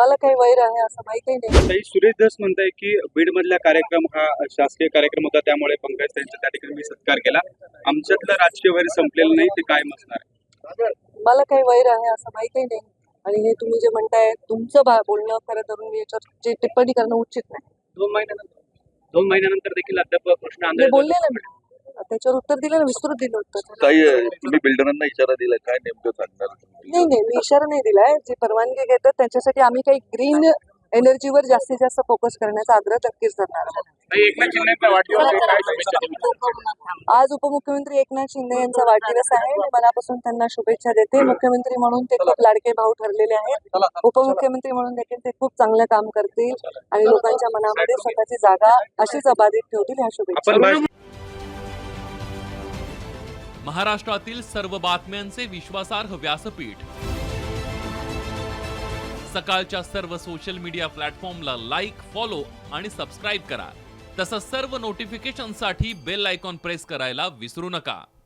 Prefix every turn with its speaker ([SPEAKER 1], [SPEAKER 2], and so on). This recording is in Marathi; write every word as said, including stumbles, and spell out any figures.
[SPEAKER 1] मला काही वैर आहे असं माहिती नाही.
[SPEAKER 2] ताई, सुरेश धस म्हणताय की बीड मधला कार्यक्रम हा शासकीय कार्यक्रम होता, त्यामुळे पंकज त्यांचा त्या ठिकाणी मी सत्कार केला. आमच्यातलं राजकीय वैर संपलेलं नाही, ते काय असणार आहे?
[SPEAKER 1] मला काही वैर आहे असं माहिती नाही. आणि हे तुम्ही जे म्हणताय तुमचं बा- बोलणं खरं धरून मी याच्यावर जे टिप्पणी करणं उचित नाही.
[SPEAKER 2] दोन महिन्यानंतर दोन महिन्यानंतर देखील अद्याप प्रश्न
[SPEAKER 1] मी
[SPEAKER 2] आंदोलन
[SPEAKER 1] बोलले ना, मी त्याच्यावर उत्तर दिलं ना, विस्तृत दिलं उत्तर.
[SPEAKER 3] काही तुम्ही बिल्डरांना इशारा दिला, काय नेमकं सांगणार?
[SPEAKER 1] नाही नाही मी इशारा नाही दिलाय. जे परवानगी घेतात त्यांच्यासाठी आम्ही काही ग्रीन एनर्जीवर जास्तीत जास्त फोकस करण्याचा आग्रह नक्कीच करणार आहोत.
[SPEAKER 2] एकनाथ शिंदेचा वाढदिवस आहे, काय शुभेच्छा देणार?
[SPEAKER 1] आज उपमुख्यमंत्री एकनाथ शिंदे यांचा वाढदिवस आहे. मी मनापासून त्यांना शुभेच्छा देते. मुख्यमंत्री म्हणून ते खूप लाडके भाऊ ठरलेले आहेत. उपमुख्यमंत्री म्हणून देखील ते खूप चांगलं काम करतील आणि लोकांच्या मनामध्ये स्वतःची जागा अशीच अबाधित ठेवतील. ह्या शुभेच्छा.
[SPEAKER 2] आपण
[SPEAKER 4] महाराष्ट्रातील सर्व बातम्यांचे विश्वासार्ह व्यासपीठ सकाळच्या सर्व सोशल मीडिया प्लॅटफॉर्मला लाईक, फॉलो आणि सबस्क्राईब करा. तसंच सर्व नोटिफिकेशनसाठी बेल आयकॉन प्रेस करायला विसरू नका.